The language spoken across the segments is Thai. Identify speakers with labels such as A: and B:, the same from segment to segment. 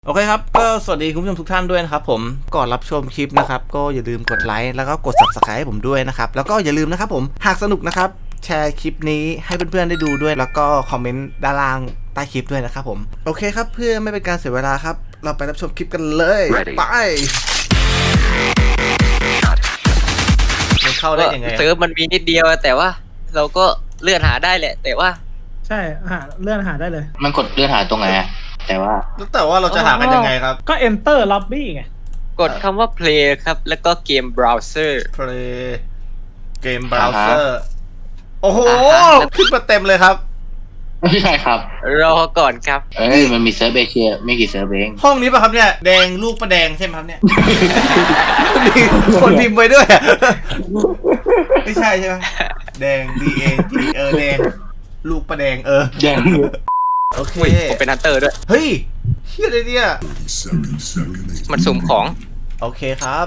A: โอเคครับก็สวัสดีคุณผู้ชมทุกท่านด้วยนะครับผมก่อนรับชมคลิปนะครับก็อย่าลืมกดไลค์แล้วก็กด Subscribe ให้ผมด้วยนะครับแล้วก็อย่าลืมนะครับผมหากสนุกนะครับแชร์คลิปนี้ให้เพื่อนๆได้ดูด้วยแล้วก็คอมเมนต์ด้านล่างใต้คลิปด้วยนะครับผมโอเคครับเพื่อไม่เป็นการเสียเวลาครับเราไปรับชมคลิปกันเลยไปมันเข้าได้ยังไง
B: เซิร์ฟมันมีนิดเดียวแต่ว่าเราก็เลื่อนหาได้แหละแต่ว่า
C: ใช่เลื่อนหาได้เลย
D: มันกดเลื่อนหาตรงไหนอะแต่ว่า
A: เราจะหากันยังไงครับ
C: ก็ enter lobby ไง
B: กดคำว่า play ครับแล้วก็เกม browser
A: play เกม browser โอ้โหขึ้นมาเต็มเลยครับ
D: ไม่ใช่ครับ
B: รอก่อนครับ
D: มันมีเซิร์ฟเอเชียไม่กี่เซิร์ฟเอง
A: ห้องนี้ป่ะครับเนี่ยแดงลูกประแดงใช่ไหมครับเนี่ยมีคนพิมพ์ไปด้วยไม่ใช่ใช่ไหมแดง DAG แดงลูกประแดง
D: แดง
A: โอเค
B: ผมเป็นฮันเตอร์ด้วย
A: เฮ้ยเฮียอะไรเนี่ย
B: มันสุ่มของ
A: โอเคครับ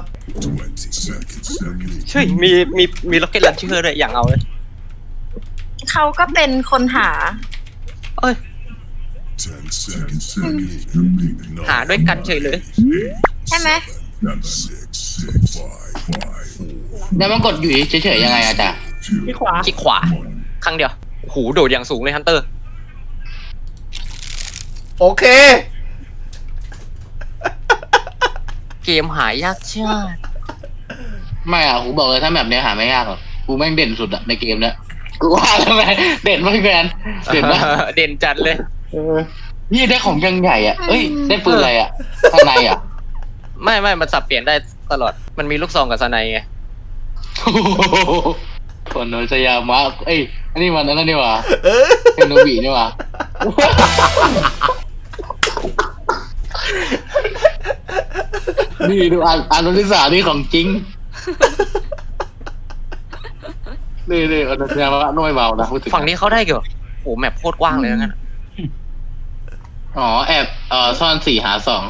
B: ใช่มีล็อกเก็ตลันเชอร์ด้วยอย่างเอาเลย
E: เขาก็เป็นคนหา
B: เอ้ยหาด้วยกันเฉยเลย
E: ใช่ไหม
D: แล้วมันกดอยู่เฉยๆยังไงอะจ๊ะ
C: คลิกขวา
B: ครั้งเดียวหูโดดอย่างสูงเลยฮันเตอร์
A: โอเค
B: เกมหายากชาติ
D: ไม่อะกูบอกเลยถ้าแบบนี้หาไม่ยากหรอกกูแม่งเด่นสุดอะในเกมเนี้ยกูว่าแล้วไงเด่นมากแมนเด่นมาก
B: เด่นจัดเลย
D: นี่ได้ของยังใหญ่อ่ะเอ้ยได้ปืนอะไรอ่ะข้างในอ่ะ
B: ไม่มันสับเปลี่ยนได้ตลอดมันมีลูกซองกับสไนไง
D: คนโนชยามะเอ้ยอันนี้มันนั่นนี่หว่าเฮโนบินี่หว่านี่ดูอ่านวลิสานี่ของจริงนี่อนุชยามะน้อยเบานะ
B: ฝั่งนี้เขาได้เกี่ยวโอ้แมปโคตรกว้างเลยงั้น
D: อ๋อแอบซ่อน4 หา 2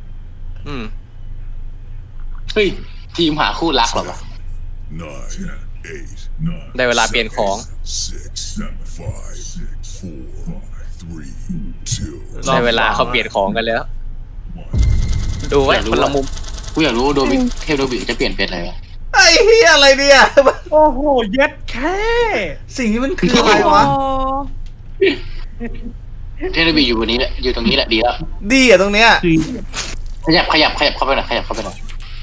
D: เฮ้ยทีมหาคู่รักหรอวะ
B: ได้เวลาเปลี่ยนของได้เวลาเขาเปลี่ยนของกันแล้วดูไว้คนละมุม
D: กูอยากรู้โดบิเทพโดบิจะเปลี่ยนเป็นอะไร
A: ไอ้เฮียอะไรเนี่ย
C: โอ้โหเย็ดแค่
A: สิ่งนี้มันคืออะไรวะ
D: เทเลบีอยู่วันนี้แหละอยู่ตรงนี้แหละดีแล้ว
A: ดีอ่ะตรงเนี้ย
D: ขยับเข้าไปหน่อยขยับเข้าไปหน่อย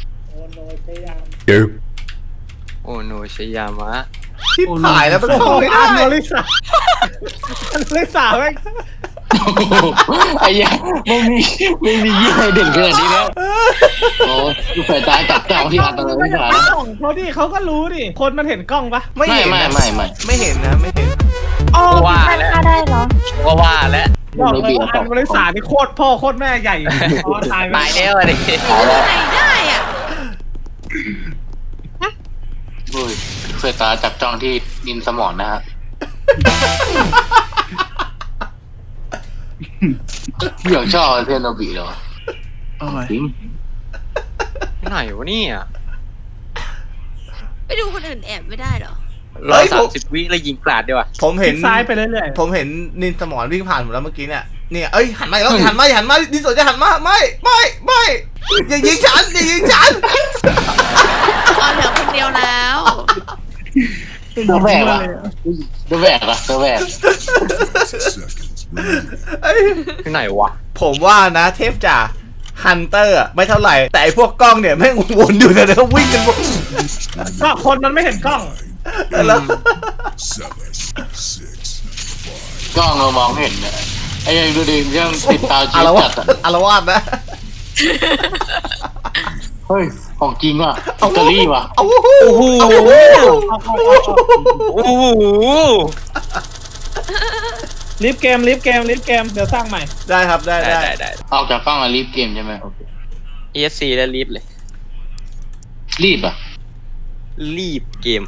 B: โอโนชยามะ
A: ที่ถ่ายแล้วมันเข้าไม่ได้
C: อันลิสาแม่ง
D: ไอ้ยังไม่มียี่ห้อเด่นขนาดนี้แล้วโอ้ดูสายตาจับจ้องที่อันตรายไม่ขาด
C: เขาดิเขาก็รู้ดิคนมันเห็นกล้องปะ
A: ไม่เห็นนะไม่เห็น
B: ว่าแล้ว
E: ได้เหรอ
B: ว่าแล้ว
C: บอกเลยว่าอันลิสานี่โคตรพ่อโคตรแม่ใหญ่ตาย
B: แล้วดิ
E: ไหนได้อ่ะ
D: สายตาจับจ้องที่ดินสมองนะฮะอยากชอบเทนโนบิเหรอจริง
B: ไหนวะเนี่ย
E: ไปดูคนอื่นแอบไม่ได้เหรอ
B: 130 วิแล้วยิงกราดดีกว่า
A: ผมเห็น
C: ซ้ายไปเรื่อย
A: ๆผมเห็นนินสมอนวิ่งผ่านผมแล้วเมื่อกี้เนี่ยเอ้ยหันมาแล้วหันมาดิสจะหันมาไม่อย่ายิงฉัน
E: อ๋อเหลือคนเดียวแล้ว
D: ตัวแหวก
B: ที่ไหนวะ
A: ผมว่านะเทพจ่าฮันเตอร์ไม่เท่าไหร่แต่ไอพวกกล้องเนี่ยแม่งวนอยู่แต่แล้ววิ่งกันหมด
C: ก็คนมันไม่เห็นกล้อง
A: แล้ว
D: กล้องเรามองเห็นเนี่ยไอ้ยังดูดิยังติดตาจีบจัด
A: อารวาสนะ
D: เฮ้ยของจริงว่ะอิตาลีว่ะ
A: โอ้โห
C: ลิฟเกมเดี๋ยวสร้างใหม่
A: ได้ครับได้
D: ออกจากกล้องอะรีบเกมใช่ไหม
B: ESC แล้วรีบเลย
D: รีบอ่ะ
B: รีบเกม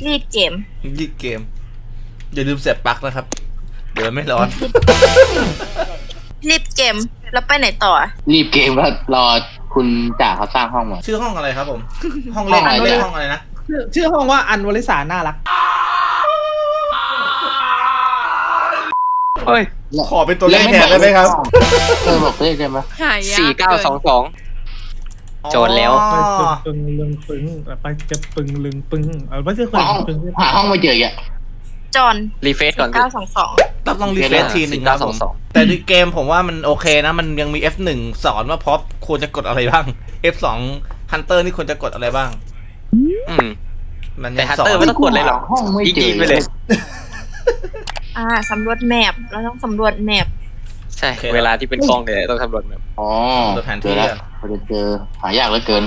A: อย่าลืมเสียบปลั๊กนะครับเดี๋ยวไม่ร้อน
E: รีบเกมแล้วไปไหนต่อ
D: รีบเกมแล้วรอคุณจ่าเขาสร้างห้องมา
A: ชื่อห้องอะไรครับผมห้องเล็กห้องอะไรนะ
C: ชื่อห้องว่าอันวลิสาน่ารัก
B: เฮ้ย
A: ขอเป็นตัวเลขแทนได้ไหมครับ
D: บอกเลขได้ไหม
E: หายาก
B: 4922 โจรแล้ว
C: ไปปึงลึงปึงไปจะปึงลึงปึงเอาไม่ใช่คน
D: หาห้องไม่เจออ่ะ
E: จอน
B: รีเฟซก่อนสิ
E: 922
A: ต้องรีเฟรชทีหนึ่งครับผม
B: 4922
A: แต่ในเกมผมว่ามันโอเคนะ มันยังมี F1 สอนว่าพอปควรจะกดอะไรบ้าง F2 Hunter นี่ควรจะกดอะไรบ้าง มัน
B: แต่
A: ยัง
B: ฮัน
A: สอ
B: เตอร์
A: น
B: ไม่ต้องกดเลยหรอก
D: ห้องไม่เจอ
B: ยิงๆไปเลย
E: สำรวจแมปเราต้องสำรวจแมป
B: ใช่ เวลาที่เป็นกล้องเนี่ยต้องทำรถแบบ
D: อ๋อเจอแล้วพอจะเจอหายากเหลือเกิน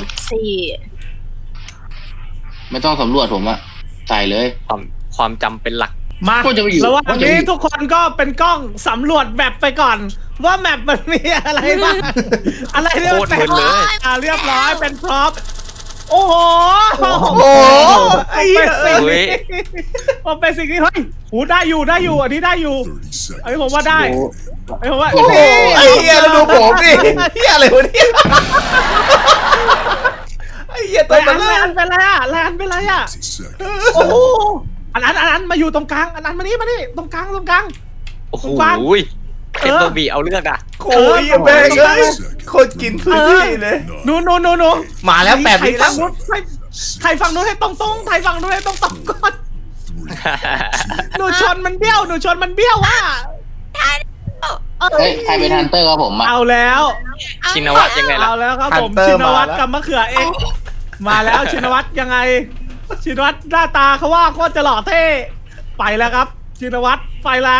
E: 4
D: ไม่ต้องสำรวจผมอะใส่เลย
B: ความจำเป็นหลัก
C: มา
D: ก็จะไปอยู่
C: ระหว่าง
D: ก็จะไป
C: นี้
D: อยู่
C: ทุกคนก็เป็นกล้องสำรวจแมปไปก่อน ว่าแมปมันมีอะไรบ้างอะไรเนี่ย
B: โคตรมึนเลย
C: เรียบร้อยเป็นพร็อพโอ้โห
A: โอ้โหไอ้เหี้ย
C: มันเป็นสิ่งที่เฮ้ยหูได้อยู่อันนี้ได้อยู่ไอ้ผมว่าได้ไอ้ผมว่า
A: โอ้โหไอ้เหี้ยแล้วดูผมดิเหี้ยอะไรวะเนี่ยไอ้เหี้ยตัวมัน
C: แลนเป็นไรอ่ะแลนเป็นไรอ่ะโอ้โหอันนั้นมาอยู่ตรงกลางอันนั้นมานี่ตรงกลาง
B: โอ้โห
C: กว้าง
B: เทมโบบีเอาเรื่องอ่ะ
A: โอ้ยแม่งเลยโคตรกินพื้นที่เลย
C: หนู
A: มาแล้ว8 วิแล้ว
C: ไทยฝั่งนู้นให้ตรงไทยฝั่งนู้นให้ตรงก่อนหนูชนมันเบี้ยวว่ะ
D: เฮ้ยใครเป็นฮันเตอร์ครับผมอะ
C: เอาแล้ว
B: ชินวัตรยังไงล่ะ
C: เอาแล้วครับผม
A: Hunter
C: ชินวัตร
A: มาแล้ว
C: กับมะเขือเองมาแล้วชินวัตรยังไงชินวัตรหน้าตาเขาว่าโคตรจะหล่อเท่ไปแล้วครับชินวัตรไปแล้ว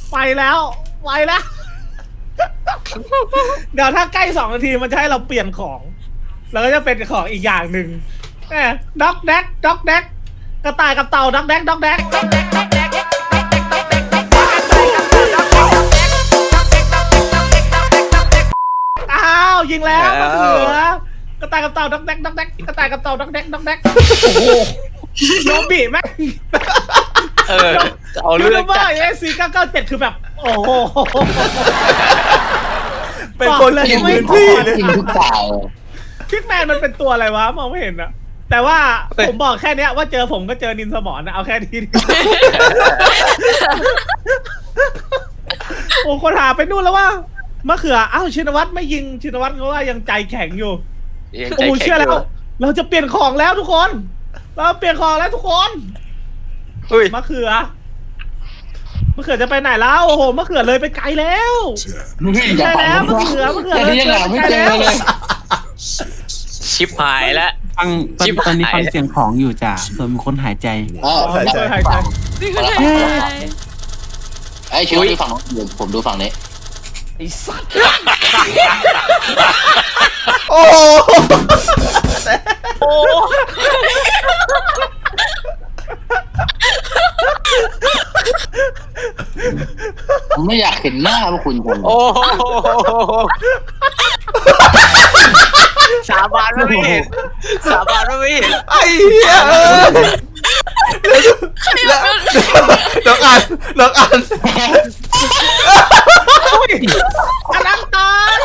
C: เดี๋ยวถ้าใกล้2 นาทีมันจะให้เราเปลี่ยนของแล้วก็จะเป็นของอีกอย่างหนึ่งด็อกแดกกระต่ายกับเต่าด็อกแดกอ้าวยิงแล้วมะเขือกระต่ายกับเต่าด็อกแดกกระต่ายกับเต่าด็อกแดกโอ้โหโนบิแม่ง
B: เอาเรื่อง
C: ว่า
B: จัด
C: SC997คือแบบโอ้โห
A: เป็นคนกินพื้นที่เลย
D: จริงทุกตายเลย
C: พิกแมนมันเป็นตัวอะไรวะมองไม่เห็นอะแต่ว่าผมบอกแค่เนี้ยว่าเจอผมก็เจอนินสมอนนะเอาแค่นี้ดีกว่าโอ้คนหาไปนู่นแล้วว่ามะเขืออ้าวชินวัตรไม่ยิงชินวัตรเขาว่ายังใจแข็งอยู่
B: ยังใจ
C: โอ้
B: แข็ง
C: เชื่อ
B: อ
C: แล้ว
B: ยู่
C: เราจะเปลี่ยนของแล้วทุกคนทุกคน
B: อุ้ย
C: มะเขือจะไปไหนแล้วโอ้โหมะเขือเลยไปไกลแล้ว
D: อย่า
C: ใช่
D: ฝัง
C: แล้ว
D: ผม
C: มะเขือ
D: แต่ที่ยังหาไม่เจอเลย
B: ชิปหายแล้ว
F: ฟังตอนนี้ฟังเสียงของอยู่จ้ะส่วนมีคนหายใจ
D: อ๋อ
C: ช่วยหายใจ
D: ไอ้ชิวดูฝั่งนู้นเดี๋ยวผมดูฝั่งนี้
A: โอ้โห
D: ผมไม่อยากเห็นหน้าพวกคุณจัง
B: โอ้โหสาบานว่าไม่เห็น
A: ไอ้เหี้ยน้องอัน
C: อันนั้นตาย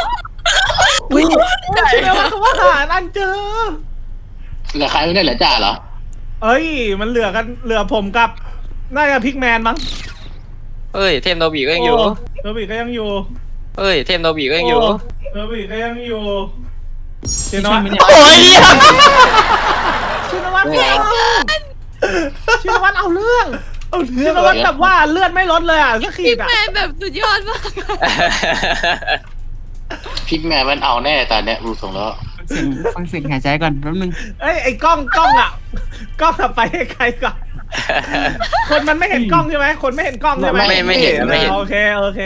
C: ใช่ไหมว่าเขาว่าหาอันเจอ
D: เหลือใครไม่ได้เหลือจ่าเหรอ
C: เอ้ยมันเหลือผมกับน่าจะพิกแมนมั้ง
B: เฮ้ย เทมโนบีก็ยังอยู่
C: โนบิก็ยังอยู่
B: เฮ้ย เทมโนบีก็ยังอยู่
C: โนบิก็ยังอยู่ชินวัตร
A: โอ้ยเหี้ย
C: ชินวัตรเอาเรื่องชินวัตรแบบว่าเลือดไม่ลดเลยอ่ะสักขีดอ่ะ
E: แมนแบบสุดยอดมาก
D: พิกแมนมันเอาแน่ตอนเนี้ยดูทรงแล้ว
F: ฟังเสียงหายใจก่อนแป๊บนึง
C: เอ้ยไอ้กล้องอ่ะกล้องอะไปให้ใครก่อนคนมันไม่เห็นกล้องใช่ไหมคนไม่เห็นกล้องใช่ไหม
B: ไม่เห็น
C: โอเค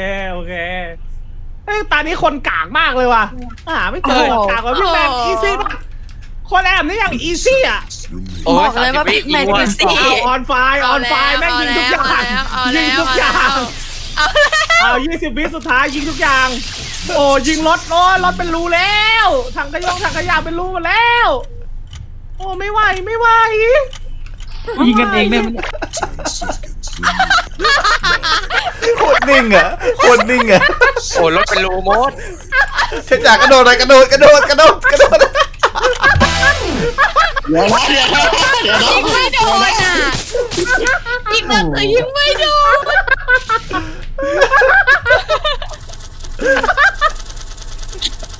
C: เฮ้ยตอนนี้คนกากมากเลยว่ะไม่เจอกากกว่าพี่แมนอีซี่ป่ะคนแอบนี่อย่างอีซี่อ่ะ
B: โอ้
E: บอกเลยว่าพิกแมนอีซี่
C: ออนไฟแม่งยิงทุกอย่างยิงทุกอย่างเอา20 วิสุดท้ายยิงทุกอย่างโอ้ยิงรถเป็นรูแล้วถังขยะเป็นรูหมดแล้วโอ้ไม่ไหว
F: ยิงกันเองได้ไหม
A: โคตรนิ่งอ่ะ
B: โอ้รถเป็นรูโมด
A: เช่นจากกระโดดเลยกระโดด
D: เดี๋ยวนะ
E: ยิงไม่โดนอ่ะยิงไม่โดน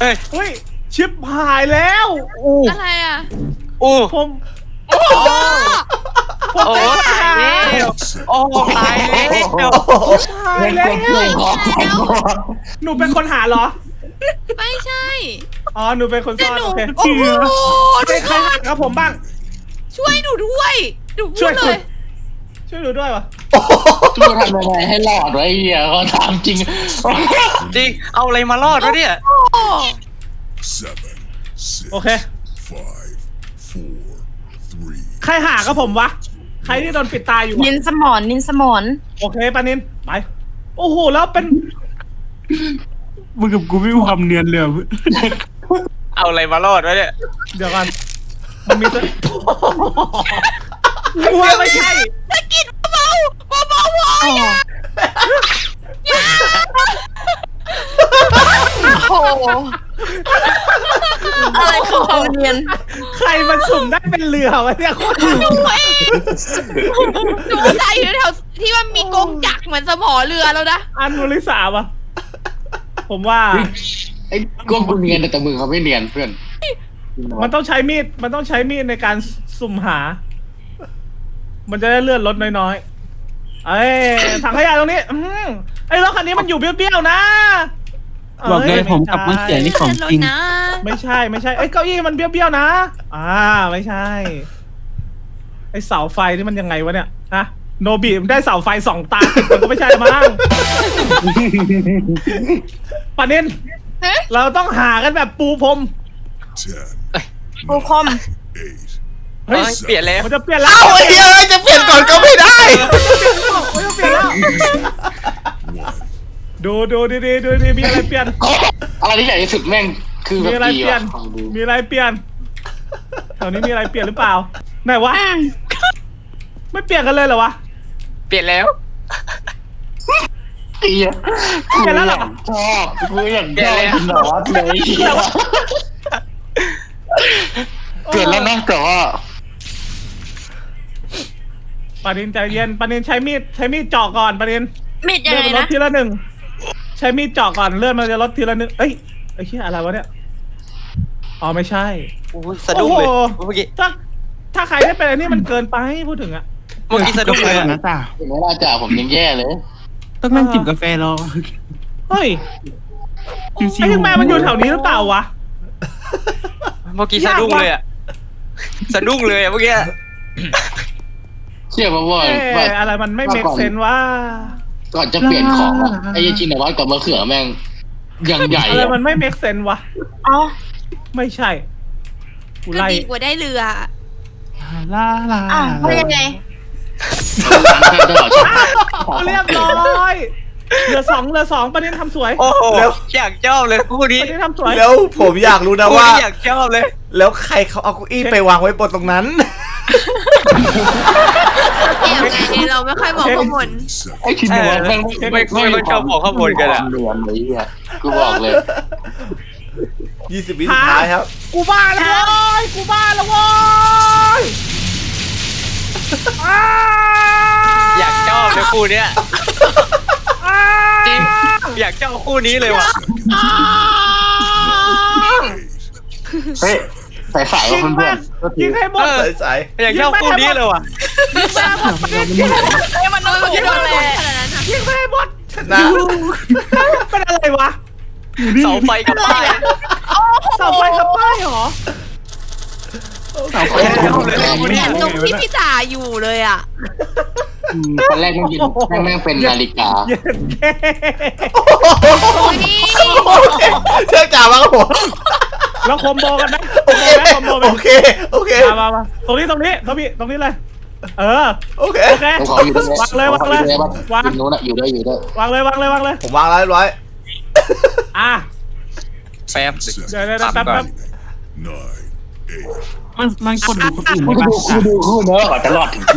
B: ฮ้ย
C: เฮ้ยชิบหายแล้ว
E: อะไรอ่ะ
B: อู้
C: ผม
B: โอ้ตายแล้วโอ้ตายแล้ว
C: หายแล้ว หนูเป็นคนหาเหรอ
E: ไม่ใช่
C: อ๋อ หนูเป็นคนซ่อน
E: หนู
C: โอเค
E: โอ้โห
C: ใครหากับผมบ้าง
E: ช่วยหนูด้วยหนูพู
C: ช่วย
E: ดเลย
C: ช่วยหนูด้วยวะ
D: ช่วยทำยังไงให้รอดไว้เหี้ยเขาถามจริง
B: จริงเอาอะไรมารอดวะเนี่ย
C: โอเค ใครหากับผมวะ ใครที่โดนปิดตาอยู่
E: นิ
C: วะ
E: นสมอนนินสมอน
C: โอเคปานิน ไป โอ้โห แล้วเป็น
F: มึงกับกูไม่มีความเนียนเลย
B: เอาอะไรมารอดวะเนี่ย
C: เดี๋ยวกันมันมีตัวกูว่าไม่ใช่
E: ตะกินเบาเบาอย่าโอ้โหอะไรคือความเนียน
C: ใครมันสุ่มได้เป็นเรือวะเนี่ยโคตร
E: หนูเองหนูใส่อยู่แถวที่มันมีกงจักรเหมือนสมอเรือแล้วนะ
C: อันนุริสาวะผมว่า
D: ไอ้กวงกูเนียนแต่มือเขาไม่เนียนเพื่อน
C: มันต้องใช้มีด มันต้องใช้มีดในการสุ่มหา มันจะได้เลื่อนรถน้อยๆ เอ้ยถังขยะตรงนี้ไอ้รถคันนี้มันอยู่เบี้ยวๆนะ
F: บอกเลยผมกับมะเขือนี่ของจริง
C: ไม่ใช่ไม่ใช่เอ้ยเก้าอี้มันเบี้ยวๆนะ ไม่ใช่ ไอ้เสาไฟนี่มันยังไงวะเนี่ยฮะโนบิมันได้เสาไฟ2 ตาติดมันก็ไม่ใช่มั้งปานินเราต้องหากันแบบปูพรม
E: ปูคม
C: เฮ้ย
B: เปลี่ยนแล้ว
C: มันจะเปลี่ยนแล้ว
A: เอ้าไอ้เหี้ยจะเปลี่ยนก่อนก็ไม่ได้
C: มันจะเปลี่ยนแล้วดูดีๆดูดีมีอะไรเปลี่ยน
D: อะไรที่ใหญ่ที่สุดแม่งคือแบ
C: มี
D: บ
C: อะไร
D: ดี
C: เปลี่ย
D: ว่ะ
C: น
D: ฟังดู
C: มีอะไรเปลี่ยนแถวนี้มีอะไรเปลี่ยนหรือเปล่าไหนวะไม่เปลี่ยนกันเลยเหรอวะ
B: เปลี่ยนแล้ว
D: เหี้ย
C: เปลี่ยนแล้วเหรอ
D: ชอบกูอยากได้กินหนอดเลยเหี้ยเปลี่ยนแล้วนะแต่ว่า
C: ปานินใจเย็นปานินใช้มีดเจาะก่อนปานิน
E: มิดยัง
C: เลื่อน
E: ไง
C: มันลด
E: นะ
C: ทีละ1ใช้มีดเจาะก่อนเลื่อนมันจะลดทีละ1เอ้ยไอ้เหี้ยอะไรวะเนี่ยอ๋อไม่ใช่
B: สะดุ้งเลย
C: โอ้โห
B: เมื่อกี้
C: ถ้าใครได้เป็นอันนี้มันเกินไปพูดถึงอะ
B: เมื่อกี้สะดุ้งเลย
F: นะจ๊ะ
D: เห็นไหมล่ะจ่าผมยังแย่เลย
F: ต้องนั่งจิบกาแฟรอ
C: เฮ้ย
F: ชิว
C: ไอ้ยังแม่มันอยู่แถวนี้หรือเปล่าวะ
B: เมื่อกี้สะดุ้งเลยอะสะดุ้งเลยอะเมื่อกี้
D: เชื่อป่ะว่า
C: เอ๊ะอะไรมันไม่เมคเซนว่า
D: ก่อนจะเปลี่ยนของอะไอ้ชินวัตรกับมะเขือแม่งยังใหญ่
C: อะไร
D: อะ
C: มันไม่เมคเซนวะ
E: อ๋อ
C: ไม่ใช่ กู
E: ก็
C: ไล่
E: ดีกว่าได้เรือ
F: ลาลา
E: อ่ะว่ายังไง
D: ตลอดชีวิต
C: เรียบร้อยเหลือสองประเด็นทำสวย
B: โอ้โหอยากชอบเลยคู่นี้
C: ประเด็นทำสวย
A: แล้วผมอยากรู้นะ
B: คู่
A: ว่า
B: นี้อยากชอบเลย
A: แล้วใครเขาเอาเก้าอี้ไปวางไว้บนตรงนั้น
E: เกี่ยวไงเราไม่ค่อยมองข้างบน
D: ไอ้ชินวัตรแม่ง
B: ไม่ค่อยชอบบอกข้างบนกันอะ
D: เรียนเลยอ่ะกูบอกเลย
A: 20 วิสุดท้ายครับ
C: กูบ้าแล้วเว้ยกูบ้าแล้วเว้ยอ้า
B: อยากชอบเลยคู่เนี้ย
C: อ้า
B: จริงอยากชอบคู่นี้เลยว่ะ
D: เฮ้ยใส่ๆว่าเพื่อนๆก็ถื
C: ยิ
D: อง
C: ให้หมด
A: ใส่
B: อยากชอบคู่นี้เลยว่ะ
E: ไอ้มันน้อยกว่าที่เราเลยขนาดนั้นอะ
C: ยิงให้หมด
A: ๆชนะ
C: เป็นอะไรวะ
B: เสาไฟกับป้าย
C: เสาไฟกับป้ายเหรอ
F: เสาไฟ
E: เนี่ยตรงที่พี่จ่าอยู่เลยอ่ะ
D: ตอนแรกมันกินแม่งเป็นนาฬิกา
C: เย็นแค่
E: โอ้ย
A: โอเคเชื่อจ่ามาครับผม
C: แล้วคอมโบกันไหม
A: โอเค
C: คอมโบไหม
A: โอเคโอเค
C: มาตรงนี้ตรงนี้เลย เออ
A: โอเค
C: โอเค
D: ผมขออยู่ด้วย
C: วางเลยวางเลย
D: วางนู้นอะอยู่ด้วย
C: วางเลย
A: ผมวางแล้วเรียบร้อย
C: อ่ะ
B: แป๊บ
C: เดี๋ยวแป๊บ
F: มันกดดูคนอื่น
D: กู
F: ได้
D: ดู
F: ปะ
D: กูดูคู่เนอะก่อนจะรอดถึงที่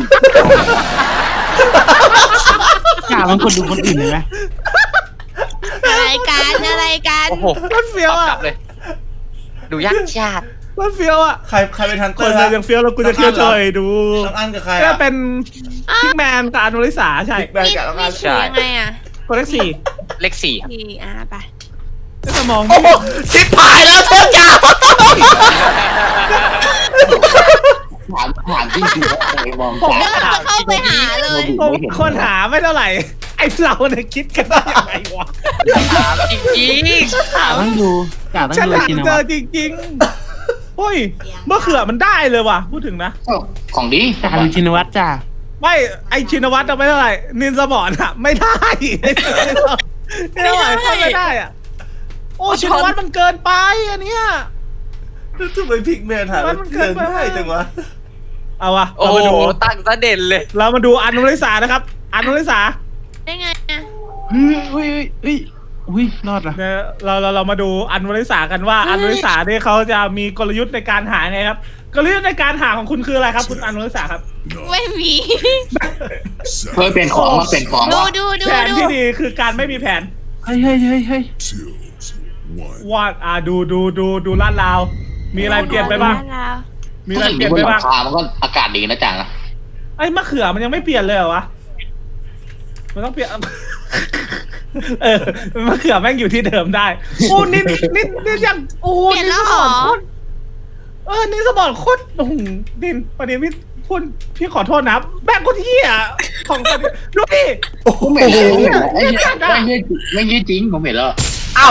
F: กล้ามันกดดูคนอื่นเลยไหม
E: อะไรกันอะไรกัน
B: โอ้โห
C: มันเฟี้ยว
B: ก
C: อ่ะ
B: ลับเลย ดูยากชาติ
C: มันเฟี้ยวอ่ะ
A: ใครเป็นทัน
C: ค
A: เตอน ร์
C: เดี
A: ค
C: ย
A: รับ
C: วยังเฟี้ยวแล้วกูจะเที่ยวช่วยดู
A: น้องอันกับใคร
C: ก็
A: อ่ะ
C: เป็นพิกแมนกับอนุริสาใช่
A: แบงกับน้องอัน
E: ถือยังไงอ่ะ
C: คนเลขสี่
B: เลข4
E: ทีไป
C: สมอง
A: โอ้โหชิบหายแล้วเทพจ๋า
D: ถามจริงๆว่าใครมอง
C: ผม
D: ตา
E: ก็เข้าไปหาเลย
C: คนหาไม่เท่าไหร่ไอ้เราเนี่ยคิดกันได้ยังไงวะ
B: ถามจริง
F: ต้องดูจ่าต้อง
C: ฉัน
F: ดู
C: หา
F: ชิน
C: เจ
F: วั
C: อ
F: ตร
C: จริงๆเฮ้ยเมื่อเขือมันได้เลยว่ะพูดถึงนะ
D: ของดี
F: จ่าดูชินวัตรจ้า
C: ไม่ไอชินวัตรไม่เท่าไหร่นินสมอนอะไม่ได้ไม่เท่าไหร่เข้าไม่ได้อะโอ้ชินวัตรมันเกินไปอันเนี้ย
A: ทำไมพิกแมนหา
C: มันเกินไป
A: ได้จังวะ
C: เอาวะ
B: โอ้
C: เรามา
B: โห
C: ดู
B: ตั้งซะเด่นเลย
C: เรามาดูอันนุริสานะครับอันนุริสา
E: ได้ไงอะ
F: อุ้ยรอดละ
C: เนี่ยเรามาดูอันนุริสากันว่าอันนุริสาเนี่ยเขาจะมีกลยุทธ์ในการหาไงครับกลยุทธ์ในการหาของคุณคืออะไรครับคุณอันนุริสาครับ
E: ไม่มี
D: เพื่อเป็นของมาเป็นของ
E: ดู
D: ว่า
E: ดู
C: แผนที่ดีคือการไม่มีแผน
F: เฮ้ย
C: วาดดูลาดราวมีอะไรเปลี่ยนไปบ้างมีอะไรเปลี่ยน
D: บ
C: ไป
D: นหลั
C: บ้าง
D: งคามันก็อากาศดีนะจังนะ
C: ไอ้มะเขือมันยังไม่เปลี่ยนเลยเหรอวะมันต้องเปลี่ยน มะเขือแม่งอยู่ที่เดิมได้โอ้นี่ยังโอ้
E: เปลี่ยน
C: นี่
E: แล้
C: ส
E: ว
C: ม
E: เหร
C: อ
E: อน
C: โคตรนี่สมองโคตรโอ้โหดินประเด็นพี่ขอโทษนะแม่งโคตรเหี้ยของประเด็นดูดิ
D: ผมเห็นแล้วไอ้เหี้ยไม่ยืดจริงผมเห็นแล้ว
A: อ้าว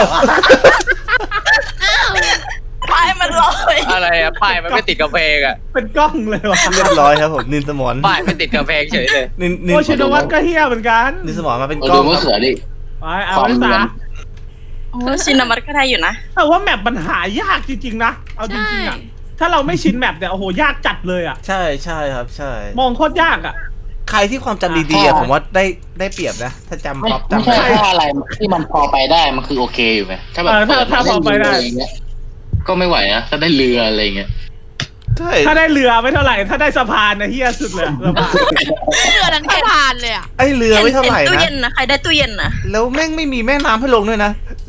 E: ไปมันลอย
B: อะไรอะป้ายมันไม่ติดกระเพงอะ
C: เป็นกล้องเลยวะ
A: เรียบร้อยครับผมนินสมอน
B: ป้ายไม่ติดกระเพงเฉยเลย
A: นิน
C: โอชินวัตรก็เหี้ยเหมือนกัน
A: นินสมอนมาเป็น
D: เรา
A: กล้
D: ดู
A: อง
D: มะเขือดิ
C: ไปเอาไว้ซะ
G: โอ้ชินวัตรก็ได้อยู่นะ
C: แต่ว่าแมปมันหายากจริงๆนะเอาจริงๆอ่ะถ้าเราไม่ชินแมปเนี่ยโอ้โหยากจัดเลยอ่ะ
A: ใช่ครับใช่
C: มองโคตรยากอ่ะ
A: ใครที่ความจำดีๆอะผมว่าได้เปรียบนะ ถ้าจำ
D: ไม่
A: ป๊อป
D: ไม่
A: จำ
D: ใช่
A: ได้
D: ว่าอะไรที่มันพอไปได้มันคือโอเคอยู่ไหมถ้าแบบ
C: ถ้าพอไปได้
D: อะไรเงี้ยก็ไม่ไหวนะถ้าได้เรืออะไรเงี้ย
A: ใช่
C: ถ้าได้เรือไม่เท่าไหร่ ถ้าได้สะพานนะเฮียสุดเลยสะพาน
E: เรือทั้งสะพานเลยอะ
A: ไอเรือไม่เท่าไหร่
G: ตู้
A: นะ
G: เย็นนะ ใครได้ตู้เย็นนะ
A: แล้วแม่งไม่มีแม่น้ำให้ลงด้วยนะ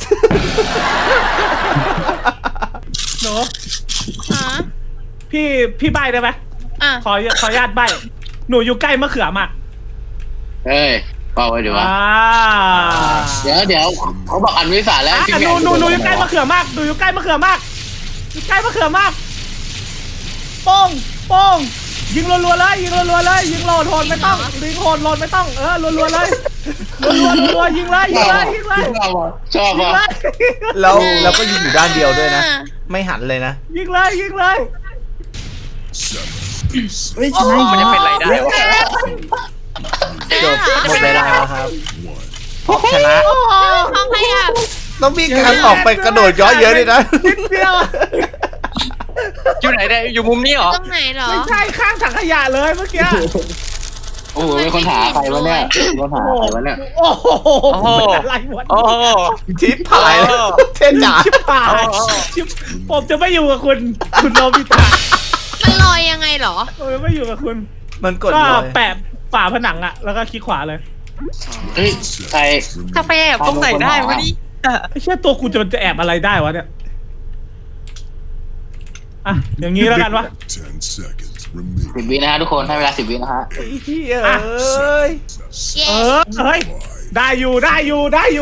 C: หนู
E: ฮะ
C: พี่ใบได้ไหม
E: อ่ะ
C: ขออนุญาตใบหนูอยู่ใกล้มะเขือมาก
D: เฮ้ยเปล่าไว้เดี๋ยววะ
C: อ่า
D: เดี๋ยวเขาบอกอันวิสาแล้ว
C: หนูอยู่ใกล้มะเขือมากหนูอยู่ใกล้มะเขือมากอยู่ใกล้มะเขือมากโป้งยิงรัวๆเลยยิงรัวๆเลยยิงโหลดไม่ต้องยิงโหดไม่ต้องรัวๆเลยรัวยิงเลยยิงเลย
D: ชอบ
C: ยิง
D: ว่ะ
C: เลย
A: แล้วก็ยิงอยู่ด้านเดียวด้วยนะ ไม่หันเลยนะ
C: ยิงเลยยิงเลย
F: เฮ้ยชนะอีก
B: มันจะ
F: แล้ว
B: เป็นไรได้วะ
A: จบหมดเวลาครับพบชนะ
E: ห้องขยะ
A: ต้องมีการออกไปกระโดดย้อนเยอะเลยนะ
C: นิดเดียว
B: อยู่ไหนเนี่ยอยู่มุมนี้เหรอ
E: ตรงไหนเหรอ
C: ไม่ใช่ข้างถังขยะเลยเมื่อกี้
D: โอ้โหเป็นคนหาใครวะเนี่ยเป็นคนหาใครวะเนี่ย
C: โอ้โหเป็นอะไรวะ
B: โอ้โห
A: ชิปหายแล้วเทนจ๋า
C: ชิบหายชิบผมจะไม่อยู่กับคุณโนบิตะ
E: มันลอยยังไงเหรอ
C: ผมจะไม่อยู่กับคุณ
A: มันกด
C: ก็
A: เลย
C: แปะฝาผนังอะแล้วก็คลิกขวาเลย
D: เฮ้ยใคร
B: จะไปแอบตรงไหนได้วะนี่
C: ไอ้เชี่ยตัวกูจะแอบอะไรได้วะเนี่ยอ่ะอย่างนี้แล้วกันวะ
H: 10 seconds remaining.
D: 10 วินะฮะทุกคนให้เวลา10 วินะฮะ
A: ไอ้เหี้ยเอ้ย
E: เย้
C: เฮ้ยได้อยู่ได้อยู่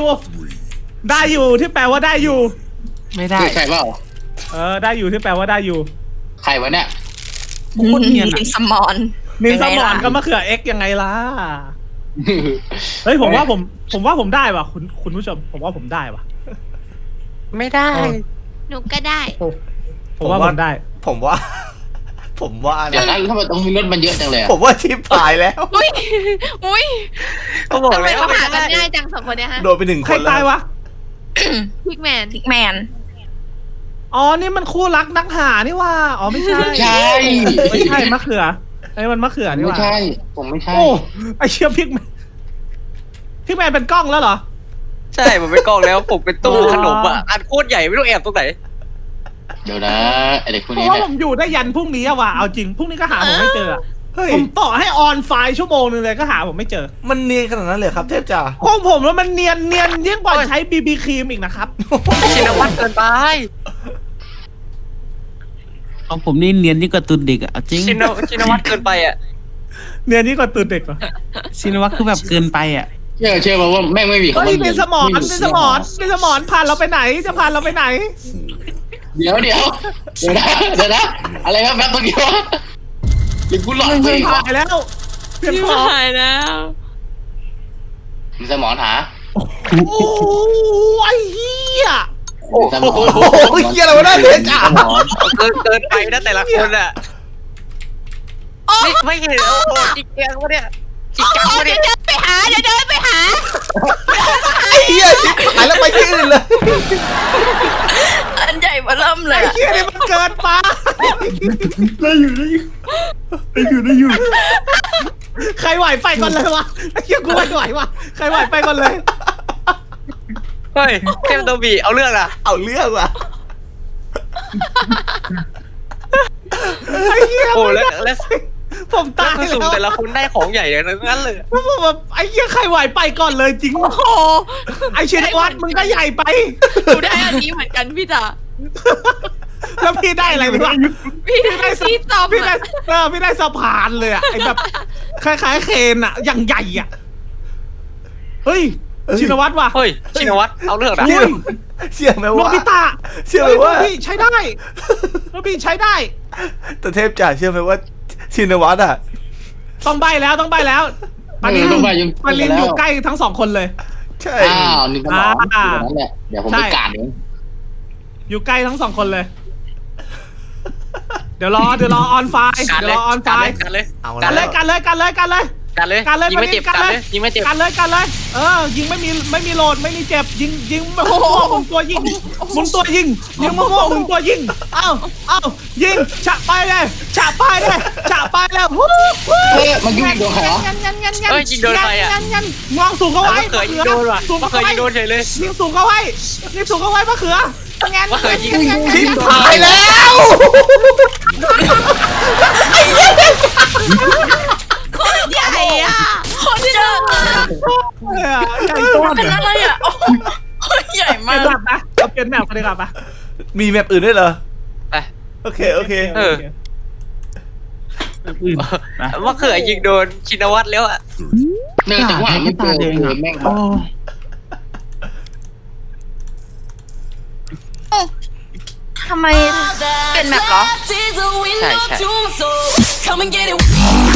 C: ที่แปลว่าได้อยู่
F: ไม่ได้
D: ใครเปล่า
C: ได้อยู่ที่แปลว่าได้อยู่
D: ใครวะเนี่ย
F: โคตรเนียนอะ
G: เป็นสมอน
C: นินสมอน
G: ยังไงล่ะ
C: ก็มะเขือ X ยังไงล่ะเฮ้ยผมว่าผมได้ว่ะคุณผู้ชมผมว่าผมได้ว่ะ
B: ไม่ได้
E: หนูก็ได้
C: ผมว่าผมได้
A: ผมว่า
D: เดี๋ยว
A: นะ
D: นะทำไมตรงนี้รถมันเยอะจังเลยอะ
A: ผมว่าชิปหายแล้ว
E: อุ้ย
B: ก็บอก
E: ทำไม
B: แล้ว
E: เขา
B: ไม่
E: หากัน
B: ได้
E: ง่ายจังสองคนเนี้ยฮะ
A: โดนไปหนึ่ง
C: ใค
A: ค
C: ร
A: นแล้
C: ตายว วะ
E: พิกแมน
G: พิกแมน
C: อ๋อนี่มันคู่รักนักหานี่ว่าอ๋อไม่ใช่
D: ใช่
C: ไม่ใช่มะเขือไอ้มันมะเขือนี่
D: ไม่
C: ว่า
D: ใช่ผมไม่ใช่
C: โอ้ไอเชี่ยพิกแมนเป็นกล้องแล้วเหรอ
B: ใช่ผมเป็นกล้องแล้วผมเป็นตู้ขนมอ่ะอันโคตรใหญ่ไม่รู้แอบตรงไหน
D: เดี๋ยวนะไอเด็กคน
C: เพ
D: นี้
C: ราะว่า
D: เนี่ย
C: ผมอยู่ได้ยันพรุ่งนี้อะว่ะเอาจริงพรุ่งนี้ก็หาผมไม่เจออะ
A: เฮ้ย
C: ผมต่อให้ออนไฟล์ชั่วโมงนึงเลยก็หาผมไม่เจอ
A: มันเนียนขนาดนั้นเลยครับเทพจ๋า
C: ของผมแล้วมันเนียนยิ่งกว่าใช้บีบีครีมอีกนะครับ
B: ชินวัตรเกินไป
F: ของผมนี่เนียนยิ่งกว่าตุนเด็กอะเอาจริง
B: ชินวัตรเกินไปอ่ะ
C: เนียนยิ่งกว่าตื่นเด็กเหรอ
F: ชินวัตรคือแบบเกินไปอะ
D: เชื่อว่าแม่งไม่มีคำ
C: เฮ้
D: ว่าย
C: เป็นสมอนผ่านเราไปไหนจะผ่านเราไปไหน
D: เดี๋ยวนะอะไรแป๊บเมื่อกี้วะหรือกูหลอนไปอีกวะ
C: ผ่านแล้วเปลี่ยนของ
E: หายแล้ว
D: มีสมอนหา
C: โอ้ไอ้เหี้ย
D: สมอน
A: โอ้โหเฮียอะไรวะเนี่ยเจ๊จ๋า
D: สมอน
B: เกินไปนะแต่ละคนอ่ะไม่เห็นโอ้โหจริงจังวะเนี่ยจริงจังวะ
E: เดี๋
B: เนี่ย
E: วยเดินไปหาเดี๋ยวเดินไปหา
A: ไอ้เฮียชิบหายแล้วไปที่อื่นเลย
G: อันใหญ่มาเริ่มเลย
C: ไอ้
G: อะ
C: เหี้ยนี่มันเกินไป
F: ได้อยู่
C: ใครไหวไปก่อนเลยวะไอ้เหี้ยกูไม่ไหววะใครไหวไปก่อนเลย
B: เฮ้ยเทมโตบีเอาเรื่องอ่ะ
A: เอาเรื่องว่ะ
C: ไอ้เหี้ย
B: โอ้
C: ไม่
B: แล้ว
C: ได้
B: แล้ว
C: ผมตาย
B: คือสุ่ม
C: แล้ว
B: แต่ละคนได้ของใหญ่อย่างนั้นเลย
C: ผมแบบไอ้เหี้ยใครไหวไปก่อนเลยจริง
E: โอ้โห
C: ไอ้ชินวัตรมึงก็ใหญ่ไป
E: หนูได้อันนี้เหมือนกันพี่จ๋า
C: แล้วพี่ได้อะไรไปวะ
E: พี่ได้ที่ซ่อม
C: พี่ได้
E: อะ
C: พี่ได้สะพานเลยอะไอ้แบบคล้ายๆเคนอะอย่างใหญ่อะเฮ้ยชินวัตรว่ะ
B: เฮ้ยชินวัตรเอาเรื่องอ่ะ
A: เชื่อไหม
C: โน
A: ว่า
C: บิตะ
A: เชื่อไหมว่า
C: โนบิใช้ได้โนบิใช้ได้
A: แต่เทพจ๋าเชื่อไหมว่าชินวัตรอ่ะ
C: ต้องใบแล้วตอนนี้
D: ต้องไปยัง
C: ปาลินอยู่ใกล้ทั้งสองคนเลย
A: ใช่
D: อ้าวนี่สมอนนั่นแหละเดี๋ยวผมไปการเอง
C: อยู่ใกล้ทั้งสองคนเลย เดี๋ยวรอออนไฟ
B: การ
C: เดี๋ยว
B: เลย
C: รอออนไฟ
B: การเลย
A: เอา
C: กัน
A: แล้
C: เล
A: วย
C: กันเลยกันเลยกันเลย
B: การเลย
C: การเลย
B: ยิงไม่เจ็บ
C: การ
B: การ
C: เล
B: เลย ยยิงไม่เจ็บ
C: กันเลยยิงไม่มีโหลดไม่มีเจ็บยิงมั่วๆหมุนตัวยิงหมุนตัวยิงยิงมั่วๆหมุนตัวยิงเอ้ายิงฉะไปเลยฮู้
D: เฮ้ยมันยุ่งโดนใครวะ
B: เฮ้ยยิงโดนใครอ่ะ
C: งวงสูงเข้าไว้
B: มะเขือยิงโดนว่ะ
C: สูง
B: มะ
C: เข้า
B: เขือ
C: ไว้
B: ยิงโดนเฉยเลย
C: ยิงสูงเข้าไว้มะเขือ
B: มะเขือยิง
A: ชิบหายแล้ว
E: ใหญ่อะ
G: คนเจอ
C: ใหญ่ต้น
G: เป็นอะไรอ่ะโอ้โหใหญ่
C: มา
G: มา
C: แบ
G: ก
C: บนะเราเปลี่ยนแมปกันดีกว่าปะ
A: มีแมปอื่นด้วยเหรอ
B: ไป
A: โอเค
B: เออ
F: อื่นนะ
B: มะเขือยิงโดนชินวัตรแล้วอ่ะ
D: เนี่ยจังหวะไม่เจอเลยแม่ง
F: โอ้
G: ทำไมเป็นแมปเหรอ
B: ใช่